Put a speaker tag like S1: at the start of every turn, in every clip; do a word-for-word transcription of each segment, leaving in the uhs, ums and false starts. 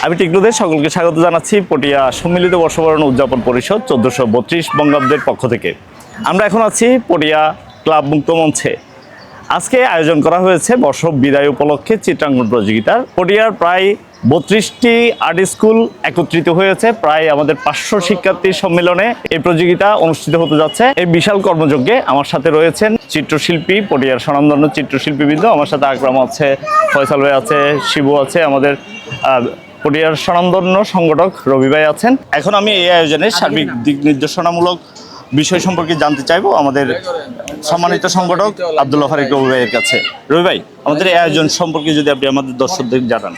S1: আমি টিকলুদের সকলকে স্বাগত জানাচ্ছি পটিয়া সম্মিলিত বর্ষবরণ উদযাপন পরিষদ চোদ্দশো বত্রিশ বঙ্গাব্দের পক্ষ থেকে। আমরা এখন আছি পটিয়া ক্লাব মুক্ত মঞ্চে। আজকে আয়োজন করা হয়েছে বর্ষ বিদায় উপলক্ষে চিত্রাঙ্কন প্রতিযোগিতার। পটিয়ার প্রায় বত্রিশটি আর্ট স্কুল একত্রিত হয়েছে, প্রায় আমাদের পাঁচশো শিক্ষার্থীর সম্মেলনে এই প্রতিযোগিতা অনুষ্ঠিত হতে যাচ্ছে। এই বিশাল কর্মযজ্ঞে আমার সাথে রয়েছেন চিত্রশিল্পী, পটিয়ার স্বনামধন্য চিত্রশিল্পীবৃন্দ। আমার সাথে আকরাম আছে, ফয়সাল ভাই আছে, শিবু আছে, আমাদের পটিয়ার স্বনামধন্য সংগঠক রবি ভাই আছেন। এখন আমি এই আয়োজনের সার্বিক দিক নির্দেশনামূলক বিষয় সম্পর্কে জানতে চাইবো আমাদের সম্মানিত সংগঠক আব্দুল্লাহ ফারিক রবি ভাইয়ের কাছে। রবি ভাই, আমাদের এই আয়োজন সম্পর্কে যদি আপনি আমাদের দর্শকদের জানান।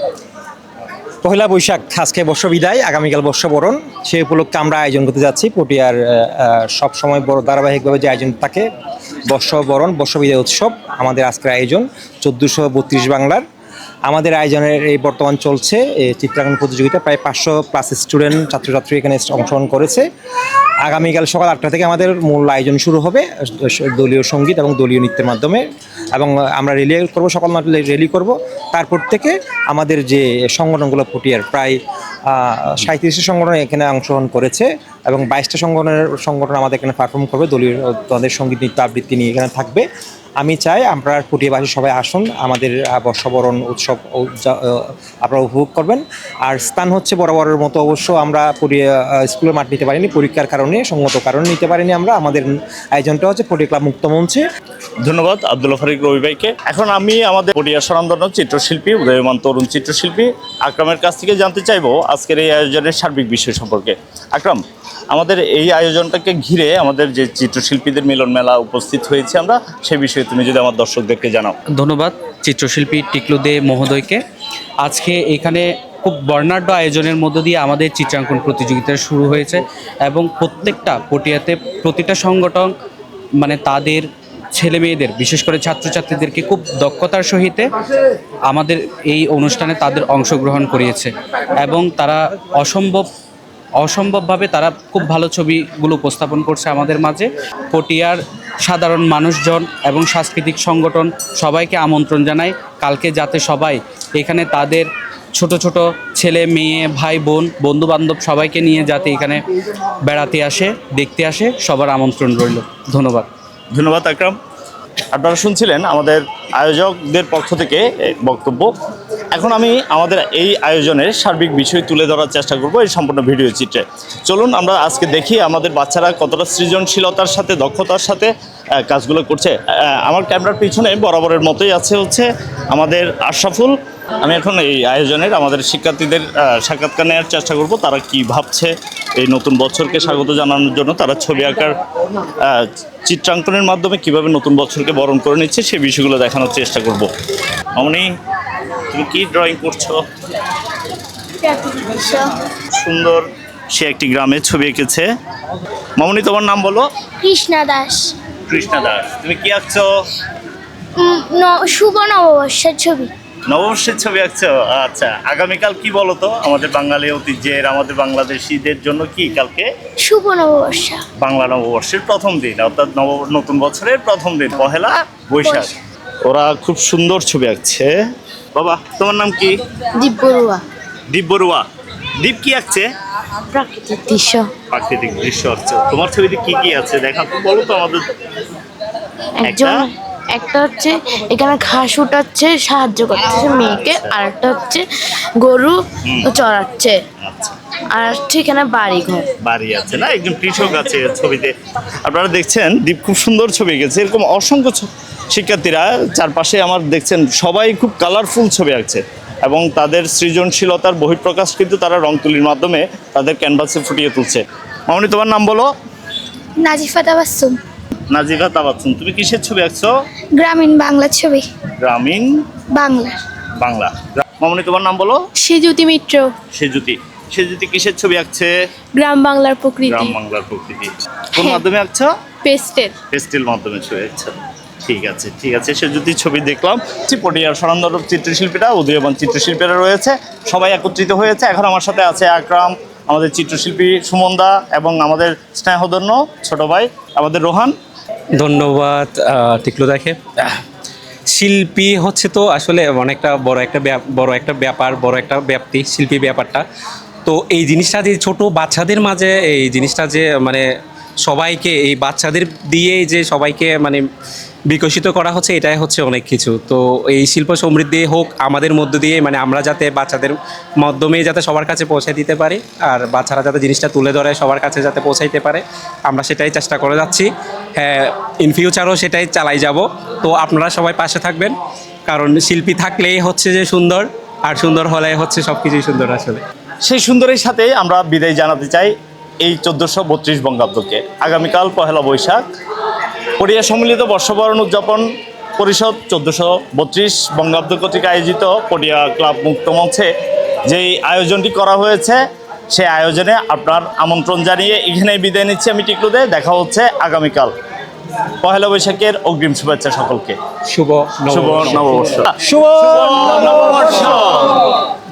S2: পহেলা বৈশাখ আজকে বর্ষ বিদায়, আগামীকাল বর্ষবরণ। সেই উপলক্ষে আমরা আয়োজন করতে যাচ্ছি। পটিয়ার সব সময় বড় ধারাবাহিকভাবে যে আয়োজন থাকে বর্ষবরণ বর্ষ বিদায় উৎসব, আমাদের আজকের আয়োজন চোদ্দোশো বত্রিশ বাংলার। আমাদের আয়োজনের এই বর্তমান চলছে এই চিত্রাঙ্কন প্রতিযোগিতা। প্রায় পাঁচশো প্লাস স্টুডেন্ট ছাত্রছাত্রী এখানে অংশগ্রহণ করেছে। আগামীকাল সকাল আটটা থেকে আমাদের মূল আয়োজন শুরু হবে দলীয় সঙ্গীত এবং দলীয় নৃত্যের মাধ্যমে, এবং আমরা রেলি করব, সকাল নয়টা রেলি করব। তারপর থেকে আমাদের যে সংগঠনগুলো পটিয়ার প্রায় সাঁত্রিশটি সংগঠন এখানে অংশগ্রহণ করেছে, এবং বাইশটা সংগঠনের সংগঠন আমাদের এখানে পারফর্ম করবে, দলীয় তাদের সঙ্গীত নৃত্য আবৃত্তি নিয়ে এখানে থাকবে। আমি চাই আপনারা পটিয়াবাসী সবাই আসুন, আমাদের বর্ষবরণ উৎসব আপনারা উপভোগ করবেন। আর স্থান হচ্ছে বরাবরের মতো, অবশ্য আমরা পটিয়া স্কুলের মাঠ নিতে পারিনি, পরীক্ষার কারণে, সঙ্গত কারণে নিতে পারিনি আমরা। আমাদের আয়োজনটা হচ্ছে পটিয়া ক্লাব মুক্ত মঞ্চে।
S1: ধন্যবাদ আব্দুল্লাহ ফারিক রবি ভাইকে। এখন আমি আমাদের পটিয়ার স্বনামধন্য চিত্রশিল্পী, উদয়মান তরুণ চিত্রশিল্পী আকরামের কাছ থেকে জানতে চাইবো আজকের এই আয়োজনের সার্বিক বিষয় সম্পর্কে। আকরাম, আমাদের এই আয়োজনটাকে ঘিরে আমাদের যে চিত্রশিল্পীদের মিলন মেলা উপস্থিত হয়েছে আমরা, সেই বিষয়ে তুমি যদি আমার দর্শকদেরকে জানাও।
S3: ধন্যবাদ চিত্রশিল্পী টিকলুদে মহোদয়কে। আজকে এখানে খুব বর্ণাঢ্য আয়োজনের মধ্য দিয়ে আমাদের চিত্রাঙ্কন প্রতিযোগিতা শুরু হয়েছে, এবং প্রত্যেকটা পটিয়াতে প্রতিটা সংগঠন মানে তাদের ছেলে মেয়েদের, বিশেষ করে ছাত্রছাত্রীদেরকে খুব দক্ষতার সহিত আমাদের এই অনুষ্ঠানে তাদের অংশগ্রহণ করিয়েছে, এবং তারা অসম্ভব অসম্ভবভাবে তারা খুব ভালো ছবিগুলো উপস্থাপন করছে আমাদের মাঝে। পটিয়ার সাধারণ মানুষজন এবং সাংস্কৃতিক সংগঠন সবাইকে আমন্ত্রণ জানাই কালকে যাতে সবাই এখানে তাদের ছোট ছোট ছেলে মেয়ে ভাই বোন বন্ধু বান্ধব সবাইকে নিয়ে যাতে এখানে বেড়াতে আসে, দেখতে আসে, সবার আমন্ত্রণ রইল। ধন্যবাদ।
S1: ধন্যবাদ আকরাম। আপনারা শুনছিলেন আমাদের আয়োজকদের পক্ষ থেকে বক্তব্য। এখন আমি আমাদের এই আয়োজনের সার্বিক বিষয় তুলে ধরার চেষ্টা করব এই সম্পূর্ণ ভিডিও চিত্রে। চলুন আমরা আজকে দেখি আমাদের বাচ্চারা কতটা সৃজনশীলতার সাথে, দক্ষতার সাথে কাজগুলো করছে। আমার ক্যামেরার পিছনে বরাবরের মতোই আছে হচ্ছে আমাদের আশরাফুল। আমি এখন এই আয়োজনের আমাদের শিক্ষার্থীদের সাক্ষাৎকার নেওয়ার চেষ্টা করব, তারা কি ভাবছে এই নতুন বছরকে স্বাগত জানানোর জন্য, তারা ছবি আঁকার চিত্রাঙ্কনের মাধ্যমে কিভাবে নতুন বছরকে বরণ করে নিচ্ছে সেই বিষয়গুলো দেখানোর চেষ্টা করব। অমনি, তুমি কি ড্রয়িং করছো? সুন্দর, সে একটি গ্রামের ছবি এঁকেছে। মামনি, তোমার নাম বলো?
S4: কৃষ্ণা দাস।
S1: কৃষ্ণা দাস, তুমি কি আঁকছো?
S4: শুভ নববর্ষের ছবি।
S1: নববর্ষের ছবি আঁকছো? আচ্ছা, আগামীকাল কি বলো তো আমাদের বাঙালি ঐতিহ্যের, আমাদের বাংলাদেশিদের জন্য কি কালকে?
S4: শুভ নববর্ষ, বাংলা
S1: নববর্ষের প্রথম দিন, অর্থাৎ নব নতুন বছরের প্রথম দিন, পহেলা বৈশাখ। ওরা খুব সুন্দর ছবি আঁকছে। বাবা, তোমার নাম কি?
S4: দীপ বড়ুয়া।
S1: দীপ বড়ুয়া। দীপ কি আঁকছে?
S4: প্রাকৃতিক দৃশ্য।
S1: প্রাকৃতিক দৃশ্য আঁকছে। তোমার ছবিতে কি কি আছে দেখা তো, বলো তো আমাদের।
S4: একজন একটা হচ্ছে এখানে ঘাস উঠাচ্ছে, সাহায্য করতেছে মেয়েকে, আর একটা হচ্ছে গরু চড়াচ্ছে, আর হচ্ছে এখানে বাড়ি ঘর
S1: বাড়ি আছে না, একজন কৃষক আছে ছবিতে। আপনারা দেখছেন দীপ খুব সুন্দর ছবি এঁকেছে। এরকম অসংখ্য শিক্ষার্থীরা চারপাশে আমার দেখছেন, সবাই খুব কালারফুল ছবি আঁকছে, এবং তাদের সৃজনশীলতার বহিঃপ্রকাশ কিন্তু তারা রং তুলির মাধ্যমে তাদের ক্যানভাসে ফুটিয়ে তুলছে। মামনি, তোমার নাম বলো?
S4: নাজিফা তাবাসসুম।
S1: নাজিফা তাবাসসুম, তুমি কিসের ছবি আঁকছো?
S4: গ্রামীণ বাংলা ছবি।
S1: গ্রামীণ
S4: বাংলা
S1: বাংলা মামনি, তোমার নাম বলো?
S4: সেজুতি মিত্র।
S1: সেজুতি। সেজুতি কিসের ছবি আঁকছে?
S4: গ্রাম বাংলার প্রকৃতি।
S1: গ্রাম বাংলার প্রকৃতি। কোন মাধ্যমে আঁকছো?
S4: পেস্টেল।
S1: পেস্টেল মাধ্যমে ছবি আঁকছো। ঠিক আছে, ঠিক আছে। সেজুতির ছবি দেখলাম। পটিয়ার স্বনামধন্য চিত্রশিল্পীরা, উদীয়মান চিত্রশিল্পীরা রয়েছে, সবাই একত্রিত হয়েছে। এখন আমার সাথে আছে আকরাম, আমাদের চিত্রশিল্পী সুমনদা, এবং আমাদের স্নেহধন্য ছোট ভাই আমাদের রোহান।
S2: ধন্যবাদ টিকলুদাকে।
S5: শিল্পী হচ্ছে তো আসলে অনেকটা বড় একটা ব্যাপ- বড় একটা ব্যাপার, বড় একটা ব্যাপ্তি শিল্পী ব্যাপারটা। তো এই জিনিসটা যে ছোট বাচ্চাদের মাঝে এই জিনিসটা যে মানে সবাইকে এই বাচ্চাদের দিয়ে যে সবাইকে মানে বিকশিত করা হচ্ছে, এটাই হচ্ছে অনেক কিছু। তো এই শিল্প সমৃদ্ধি হোক আমাদের মধ্য দিয়ে, মানে আমরা যাতে বাচ্চাদের মাধ্যমে যাতে সবার কাছে পৌঁছে দিতে পারি, আর বাচ্চারা যাতে জিনিসটা তুলে ধরে সবার কাছে যাতে পৌঁছাইতে পারে, আমরা সেটাই চেষ্টা করে যাচ্ছি। হ্যাঁ, ইন ফিউচারও সেটাই চালাই যাব। তো আপনারা সবাই পাশে থাকবেন, কারণ শিল্পী থাকলেই হচ্ছে যে সুন্দর, আর সুন্দর হলে হচ্ছে সব কিছুই সুন্দর আসলে।
S1: সেই সুন্দরের সাথে আমরা বিদায় জানাতে চাই এই চোদ্দোশো বত্রিশ বঙ্গাব্দকে। আগামীকাল পহেলা বৈশাখ পটিয়া সম্মিলিত বর্ষবরণ উদযাপন পরিষদ চোদ্দোশো বত্রিশ বঙ্গাব্দ কর্তৃক আয়োজিত পটিয়া ক্লাব মুক্ত মঞ্চে যেই আয়োজনটি করা হয়েছে, সেই আয়োজনে আপনার আমন্ত্রণ জানিয়ে এখানেই বিদায় নিচ্ছি আমি টিকলু দে। দেখা হচ্ছে আগামীকাল। পহেলা বৈশাখের অগ্রিম শুভেচ্ছা সকলকে।
S5: শুভ
S1: শুভ
S5: নববর্ষ।
S1: নববর্ষ।
S2: শুভ
S1: নববর্ষ।